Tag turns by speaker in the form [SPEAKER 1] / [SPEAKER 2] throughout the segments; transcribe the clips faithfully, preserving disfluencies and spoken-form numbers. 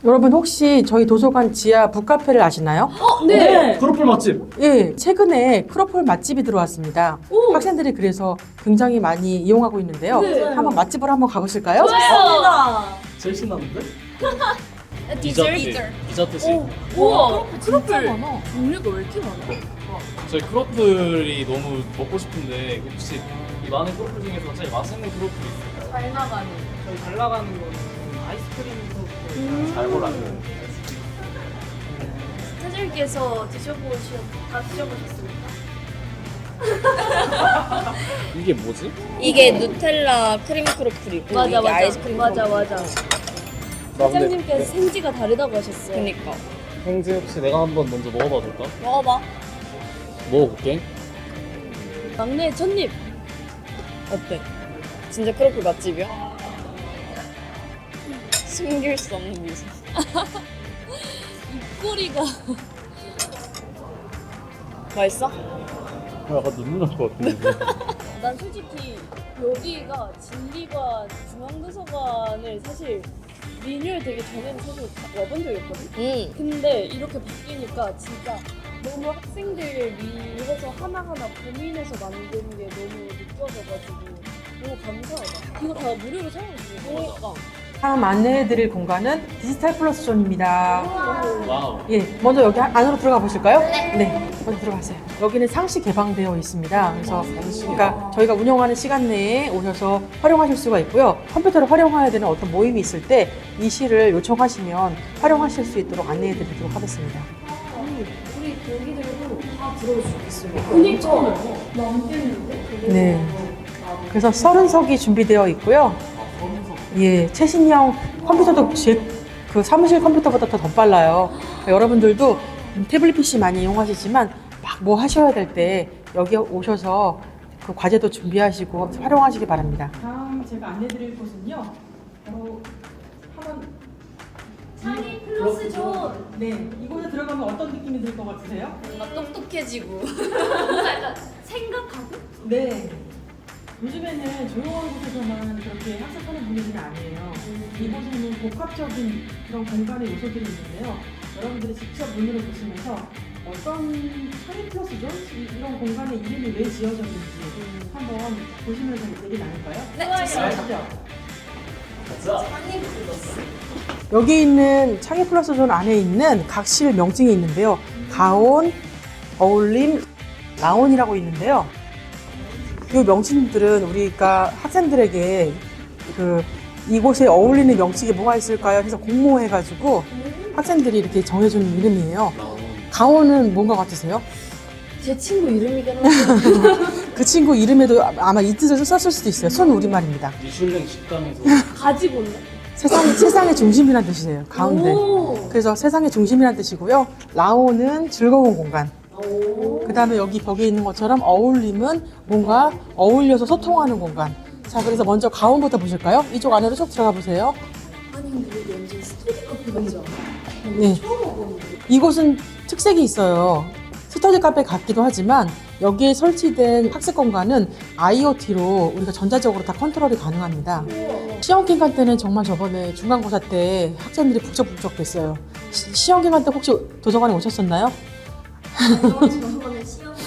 [SPEAKER 1] 여러분 혹시 저희 도서관 지하 북카페를 아시나요?
[SPEAKER 2] 어, 네.
[SPEAKER 3] 크로플 맛집.
[SPEAKER 1] 예, 최근에 크로플 맛집이 들어왔습니다.
[SPEAKER 2] 오.
[SPEAKER 1] 학생들이 그래서 굉장히 많이 이용하고 있는데요.
[SPEAKER 2] 네.
[SPEAKER 1] 한번 맛집으로 한번 가보실까요?
[SPEAKER 2] 좋아요.
[SPEAKER 3] 제일 신나는데?
[SPEAKER 2] 디저트.
[SPEAKER 3] 디저트식.
[SPEAKER 2] 우와, 크로플.
[SPEAKER 1] 많아.
[SPEAKER 2] 종류가 왜 이렇게 많아?
[SPEAKER 3] 저희 크로플이 너무 먹고 싶은데 혹시 이 많은 크로플 중에서 제일 맛있는 크로플이 있을까요?
[SPEAKER 2] 잘 나가는.
[SPEAKER 3] 저희 잘 나가는 거는 아이스크림 크로플
[SPEAKER 2] 음.
[SPEAKER 3] 잘 골랐어요.
[SPEAKER 2] 스타들께서 드셔보셨, 다 드셔보셨습니까?
[SPEAKER 3] 이게 뭐지?
[SPEAKER 4] 이게 누텔라 크림 크로플이고
[SPEAKER 2] 맞아,
[SPEAKER 4] 이게
[SPEAKER 2] 맞아.
[SPEAKER 4] 아이스크림
[SPEAKER 2] 맞아,
[SPEAKER 4] 크로플.
[SPEAKER 2] 맞아.
[SPEAKER 3] 나 근데
[SPEAKER 2] 사장님께서 생지가 다르다고 하셨어요.
[SPEAKER 4] 그니까
[SPEAKER 3] 행지 혹시 내가 한번 먼저 먹어봐도 될까?
[SPEAKER 4] 먹어봐.
[SPEAKER 3] 먹어볼게.
[SPEAKER 2] 막내 첫입.
[SPEAKER 4] 어때? 진짜 크로플 맛집이야? 숨길 수 없는 미소.
[SPEAKER 2] 입꼬리가.
[SPEAKER 4] 맛있어?
[SPEAKER 3] 약간 눈물 날 것 같은데.
[SPEAKER 2] 난 솔직히 여기가 진리관 중앙도서관을 사실 리뉴얼 되기 전에는 사실 가- 와본 적이 없거든?
[SPEAKER 4] 응.
[SPEAKER 2] 근데 이렇게 바뀌니까 진짜 너무 학생들 위해서 하나하나 고민해서 만든 게 너무 느껴져가지고 너무 감사하다. 이거 다 무료로 사용할 수 있는 거니까.
[SPEAKER 4] 그러니까.
[SPEAKER 1] 다음 안내해드릴 공간은 디지털 플러스 존입니다.
[SPEAKER 3] 와우.
[SPEAKER 1] 예, 먼저 여기 안으로 들어가 보실까요? 네. 먼저 들어가세요. 여기는 상시 개방되어 있습니다. 그래서 그러니까 저희가 운영하는 시간 내에 오셔서 활용하실 수가 있고요. 컴퓨터를 활용해야 되는 어떤 모임이 있을 때 이 시를 요청하시면 활용하실 수 있도록 안내해 드리도록 하겠습니다.
[SPEAKER 2] 우리 거기들도 다 들어올 수 있어요. 그니까 남겠는데?
[SPEAKER 1] 네. 그래서 서른 석이 준비되어 있고요. 예, 최신형 컴퓨터도 제, 그 사무실 컴퓨터보다 더, 더 빨라요. 그러니까 여러분들도 태블릿 피씨 많이 이용하시지만 막 뭐 하셔야 될 때 여기 오셔서 그 과제도 준비하시고 활용하시기 바랍니다. 다음 제가 안내드릴 곳은요. 바로 한번
[SPEAKER 2] 창이 플러스 존.
[SPEAKER 1] 네, 이곳에 들어가면 어떤 느낌이 들 것 같으세요?
[SPEAKER 2] 뭔가 똑똑해지고 뭔가 약간 생각하고?
[SPEAKER 1] 네. 요즘에는 조용한 곳에서만 그렇게 학습하는 분위기는 아니에요. 이곳에는 복합적인 그런 공간의 요소들이 있는데요. 여러분들이 직접 눈으로 보시면서 어떤 창의 플러스 존? 이- 이런 공간의 이름이 왜 지어졌는지 한번 보시면서 얘기 나눌까요?
[SPEAKER 2] 네,
[SPEAKER 1] 아시죠?
[SPEAKER 3] 자,
[SPEAKER 1] 여기 있는 창의 플러스 존 안에 있는 각 실 명칭이 있는데요. 가온, 어울림, 라온이라고 있는데요. 이 명칭들은 우리가 학생들에게 그 이곳에 어울리는 명칭이 뭐가 있을까요? 해서 공모해가지고 학생들이 이렇게 정해주는 이름이에요. 가온은 뭔가 같으세요?
[SPEAKER 2] 제 친구 이름이긴 한데
[SPEAKER 1] 그 친구 이름에도 아마 이 뜻을 썼을 수도 있어요. 순 우리말입니다.
[SPEAKER 3] 미슐랭 식당에서
[SPEAKER 2] 가지고 온다.
[SPEAKER 1] 세상, 세상의 중심이란 뜻이에요. 가운데.
[SPEAKER 2] 오.
[SPEAKER 1] 그래서 세상의 중심이란 뜻이고요. 라온은 즐거운 공간.
[SPEAKER 2] 오.
[SPEAKER 1] 그 다음에 여기 벽에 있는 것처럼 어울림은 뭔가 어울려서 소통하는 공간. 자, 그래서 먼저 가온부터 보실까요? 이쪽 안으로 쭉 들어가 보세요.
[SPEAKER 2] 아니 근데 여기 완전 스터디 카페 같지 않아?
[SPEAKER 1] 네.
[SPEAKER 2] 처음 와보는데.
[SPEAKER 1] 이곳은 특색이 있어요. 스터디 카페 같기도 하지만 여기에 설치된 학습 공간은 아이오티로 우리가 전자적으로 다 컨트롤이 가능합니다. 시험 기간 때는 정말 저번에 중간고사 때 학생들이 북적북적 됐어요. 시, 시험 기간 때 혹시 도서관에 오셨었나요?
[SPEAKER 2] 저번에 시험을.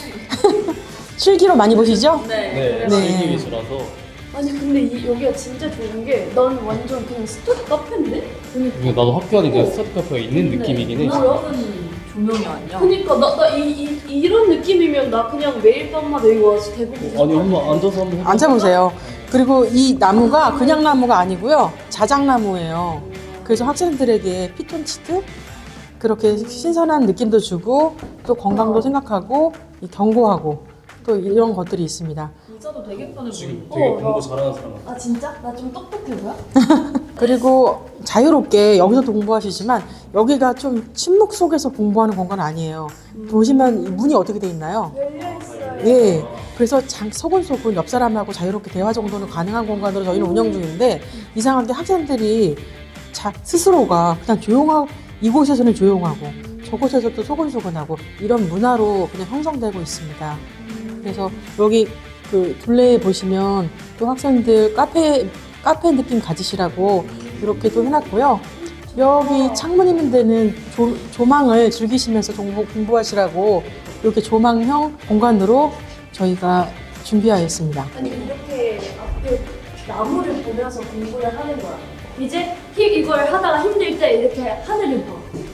[SPEAKER 1] 실기로 많이 보시죠?
[SPEAKER 3] 네,
[SPEAKER 1] 네.
[SPEAKER 3] 즐기 위주라서
[SPEAKER 2] 아니 근데 이, 여기가 진짜 좋은 게 난 완전 그냥 스터디 카페인데?
[SPEAKER 3] 이게 나도 학교 안에 그 스터디 카페가 있는 느낌이긴 해.
[SPEAKER 2] 뭐야?
[SPEAKER 4] 조명이 아니야.
[SPEAKER 2] 그니까 나, 나 이, 이, 이런 느낌이면 나 그냥 매일 밤마다 여기 와서 대부분
[SPEAKER 3] 아니 한번 앉아서 한번 해봐.
[SPEAKER 1] 앉아보세요. 그리고 이 나무가 그냥 나무가 아니고요. 자작나무예요. 그래서 학생들에게 피톤치드 그렇게 신선한 느낌도 주고 또 건강도 생각하고 이 경고하고 또 이런 것들이 있습니다.
[SPEAKER 4] 의자도 되게 편해
[SPEAKER 3] 지금
[SPEAKER 4] 보여.
[SPEAKER 3] 되게
[SPEAKER 2] 어,
[SPEAKER 3] 공부
[SPEAKER 2] 나-
[SPEAKER 3] 잘하는 사람 같아.
[SPEAKER 2] 아 진짜? 나 좀 똑똑해 보여?
[SPEAKER 1] 그리고 자유롭게 여기서도 공부하시지만 여기가 좀 침묵 속에서 공부하는 공간 아니에요. 보시면 문이 어떻게 돼 있나요?
[SPEAKER 2] 열려있어요.
[SPEAKER 1] 예. 그래서 장, 소근소근 옆 사람하고 자유롭게 대화 정도는 가능한 공간으로 저희는 운영 중인데 이상하게 학생들이 자, 스스로가 그냥 조용하고 이곳에서는 조용하고 저곳에서 또 소근소근하고 이런 문화로 그냥 형성되고 있습니다. 그래서 여기 그 둘레에 보시면 또 학생들 카페 카페 느낌 가지시라고 이렇게 또 해놨고요. 여기 창문 있는 데는 조, 조망을 즐기시면서 공부, 공부하시라고 이렇게 조망형 공간으로 저희가 준비하였습니다.
[SPEAKER 2] 아니 이렇게 앞에 나무를 보면서 공부를 하는 거야. 이제 히- 이걸 하다가 힘들 때 이렇게 하늘을 봐.